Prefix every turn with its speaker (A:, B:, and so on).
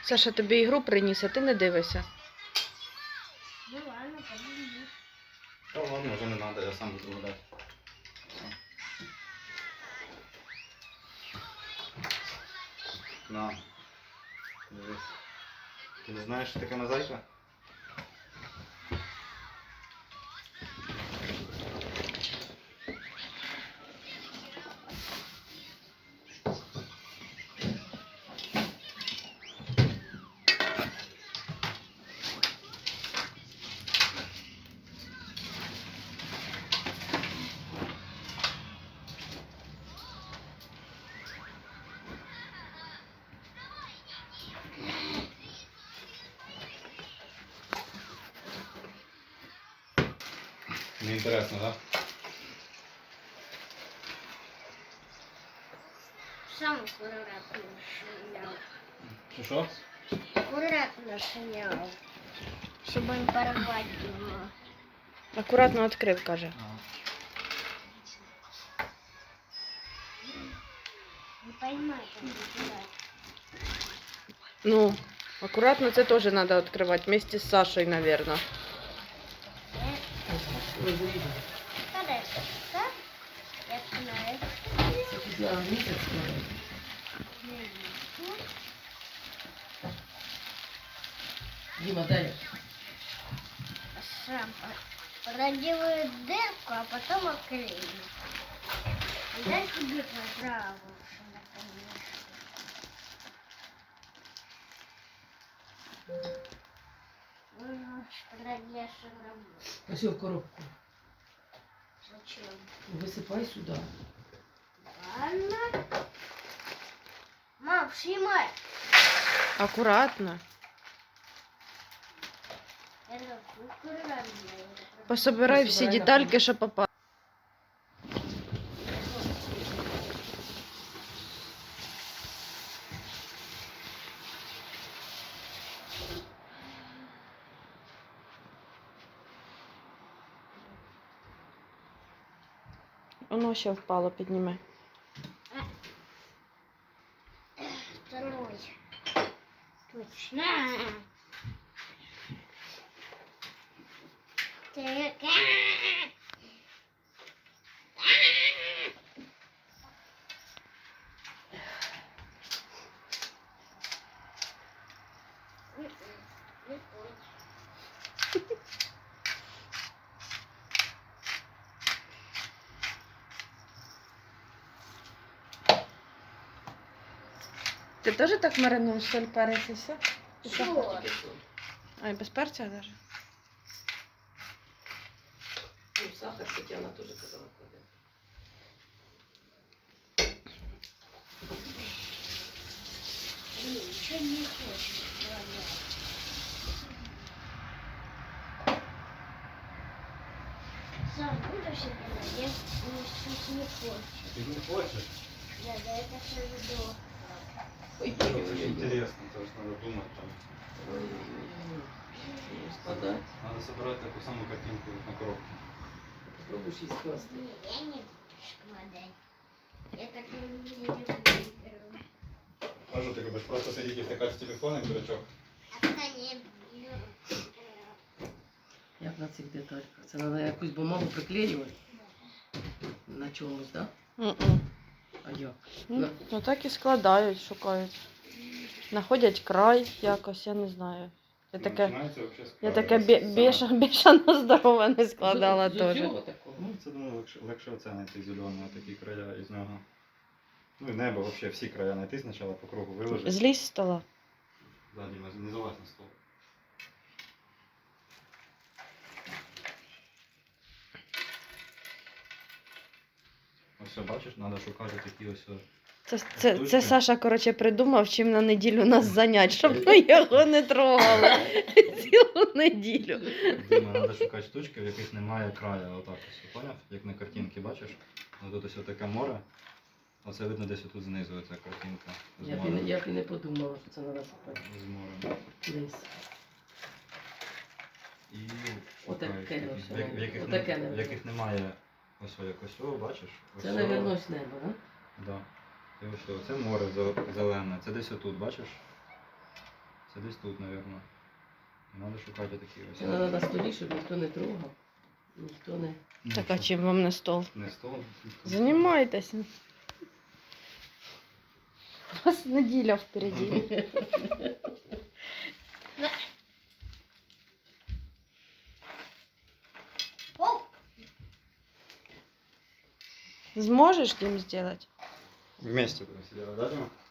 A: Саша тобі ігру приніс, а ти не дивишся.
B: Ну ладно, подожди.
C: Та ладно, вже не треба, я сам буду гуляти. На. Дивись. Ти не знаєш, що таке мозаїка? Неінтересно, так?
B: Сам аккуратно шнял.
C: Що?
B: Аккуратно шнял. Чтобы не порвать его.
A: Акуратно відкрив, каже.
B: Не поймай, как это.
A: Ну, акуратно це теж треба відкривати, вместе з Сашою, мабуть.
B: Когда это? Так? Я знаю.
D: Дима, дай.
B: Сам проделаю дырку, а потом оклею. Дай тебе пожалуйста, наконец. Проделаешь работу.
D: Ось в коробку.
B: Зачем?
D: Висипай сюди.
B: Ладно. Мам, снимай.
A: Акуратно.
B: Это аккуратно.
A: Пособирай всі
D: Пособирай,
A: детальки, що попали. Воно ще впало, підніми.
B: Второй. Точно. Так.
A: Ти теж так маринуєш соль, перець і все?
B: Что?
A: А, і без перця навіть?
D: Ну, сахар, Тетяна теж казала кладе.
B: Ничего не хочешь. Ладно. Сам будешь это? Я сейчас не хочу.
C: Ти не хочеш?
B: Да, да, это все видео.
D: Ой,
C: Це
D: ой-ой-ой.
C: інтересно, це ж треба думати там.
D: Ой-ой-ой. Складати.
C: Треба збирати таку саму картинку як на коробці.
D: Спробуй її скласти.
B: Не, я не буду складать. Я так не люблю.
C: Кажу, ти любиш просто сидіти і втикати в телефон, і дурачок.
B: А то не люблю.
D: Як на цих детальках? Це треба якусь бумагу приклеювати на чомусь, так? Да? А як?
A: Ну так і складають, шукають. Знаходять край якось, я не знаю. Я таке,
C: Починається вообще з
A: я
C: краю.
A: таке
C: Саме.
A: бішано здорове не складала
D: З
A: теж.
D: цього такого?
C: Ну, це, думаю, легше оце знайти зеленого, такі края із нього. Ну і небо, взагалі, всі края знайти спочатку по кругу виложити.
A: Злізь з стола.
C: Ззаді, не залазь на стол. Ось все, бачиш, треба шукати такі ось.
A: Це Саша, коротше, придумав, чим на неділю нас занять, щоб ми його не трогали цілу неділю.
C: Дима, треба шукати штучки, в яких немає краю. Отак ось, поняв? Як на картинці, бачиш? Ну, тут ось таке море. Оце видно десь отут знизу ця картинка. З морем.
D: Я б і не подумала, що це треба шукати.
C: З морем.
D: Десь.
C: І
D: Отаке
C: шукаєш
D: ось,
C: такі,
D: отаке
C: в
D: небо.
C: яких немає ось якось, о, бачиш? Ось
D: Це,
C: о.
D: мабуть, ось небо, так?
C: Да. І ось о, це море зелене, це десь отут, бачиш? Це десь тут, мабуть. Треба шукати такі ось.
D: Це треба на столі, щоб ніхто не трогав. Ніхто не...
C: Ну,
A: Так, а
C: що,
A: чим вам не стол?
C: Не стол.
A: Занимайтесь. У вас неділя впереді.
B: О,
A: Зможеш Дім зробити?
C: Вместе будем сидеть, да, Дима?